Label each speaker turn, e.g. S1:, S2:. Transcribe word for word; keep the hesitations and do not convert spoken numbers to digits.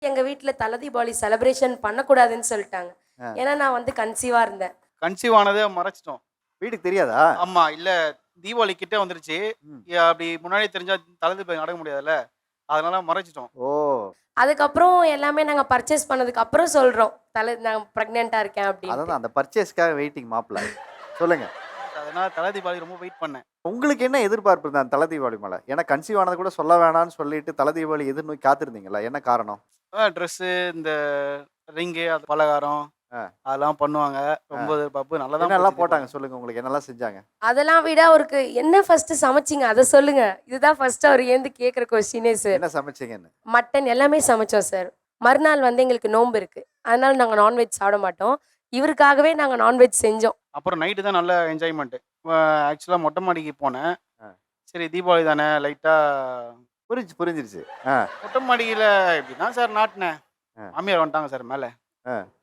S1: எங்க வீட்ல தல தீபாவளி செலிப்ரேஷன் பண்ணக்கூடாதுன்னு சொல்லிட்டாங்க.
S2: ஆ.
S1: ஏன்னா நான் வந்து கன்சீவா இருந்தேன்.
S3: கன்சீவ் ஆனதே மறைச்சிட்டோம்.
S2: வீட்டுக்கு தெரியாதா?
S3: ஆமா. இல்ல தீபாவளி கிட்ட வந்துருச்சு.
S2: ம்.
S3: ய அப்படி முன்னாடியே தெரிஞ்சா தல தீபாவளி நடக்க முடியாதுல்ல. அதனால மறைச்சிட்டோம்.
S2: ஓ!
S1: அதுக்கப்புறம் எல்லாமே நாங்க பர்ச்சேஸ் பண்ணதுக்கு அப்புறம் சொல்றோம். தல நான் பிரெக்னன்ட்டா இருக்கேன் அப்படின்னு.
S2: அதான் அந்த பர்ச்சேஸ்க்காக வெயிட்டிங் மாப்பிள. சொல்லுங்க.
S3: அதனால தல தீபாவளி ரொம்ப வெயிட் பண்ணேன்.
S2: உங்களுக்கு என்ன எதிர்பார்ப்பு இருந்தது அந்த தல தீபாவளி மேல? ஏன்னா கன்சீவ் ஆனது கூட சொல்ல வேணாம்னு சொல்லிட்டு தல தீபாவளி எதிர்நோக்கி காத்திருந்தீங்களா? என்ன காரணம்?
S3: அ ட்ரெஸ்ஸு, இந்த ரிங்கு, அது பலகாரம்
S2: ஆ.
S3: அதெல்லாம் பண்ணுவாங்க. ரொம்ப எதிர்பார்ப்பு நல்லா தான்
S2: என்னெல்லாம்
S3: போச்சு
S2: போட்டாங்க
S3: தீபாவளி.
S2: சொல்லுங்க. உங்களுக்கு என்னெல்லாம் செஞ்சாங்க?
S1: அதெல்லாம் விட அவருக்கு என்ன ஃபர்ஸ்ட் சமைச்சீங்க அத சொல்லுங்க. இதுதான் ஃபர்ஸ்ட் அவர் ஏந்து கேக்குற கொஸ்டினே சார்.
S2: என்ன சமைச்சீங்கன்னு?
S1: மட்டன் எல்லாமே சமைச்சோம் சார். மறுநாள் வந்து எங்களுக்கு நோன்பு இருக்கு. அதனால நாங்க நான்வெஜ் சாப்பிட மாட்டோம். இவருக்காகவே நாங்க நான்வெஜ் செஞ்சோம்.
S3: அப்புறம் நைட்டு தான் நல்ல என்ஜாய்மென்ட். அ ஆக்சுவலா மொட்டை மாடிக்கு போனேன்.
S2: ஆ.
S3: சரி தீபாவளி தானே லைட்டா
S2: புரிஞ்சு புரிஞ்சிருச்சு. ஆ.
S3: மொட்டை மாடியில இப்படி தான் சார் நாட்டுனேன்.
S2: ஆ.
S3: மாமியார் வந்துட்டாங்க சார் மேல.
S2: ஆ.